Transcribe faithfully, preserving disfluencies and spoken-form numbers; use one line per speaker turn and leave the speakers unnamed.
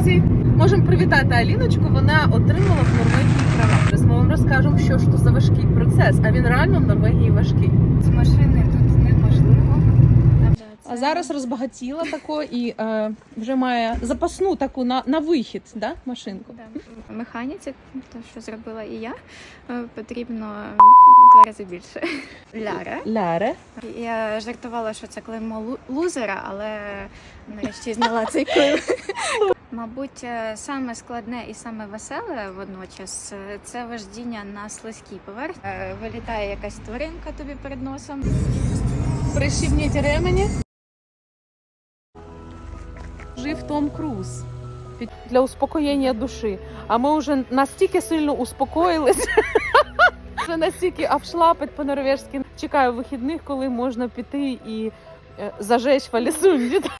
друзі! Можемо привітати Аліночку, вона отримала в Норвегії права. Зараз ми вам розкажемо, що ж то за важкий процес, а він реально в Норвегії важкий.
З машини тут неможливо.
А зараз розбагатіла тако і е, вже має запасну таку на, на вихід, да, машинку?
Да. Механіці, те, що зробила і я, е, потрібно два рази більше. Ляре.
Ляре.
Я жартувала, що це клеймо лу- лузера, але нарешті зняла цей клейм. Мабуть, е, саме складне і саме веселе водночас е, це вождіння на слизькій поверхні. Е, Вилітає якась тваринка тобі перед носом.
Прищіпніть ремені. Жив Том Круз для успокоєння душі. А ми вже настільки сильно успокоїлися, що настільки обшлапать по-норвежськи. Чекаю вихідних, коли можна піти і е, зажечь в Алісунді.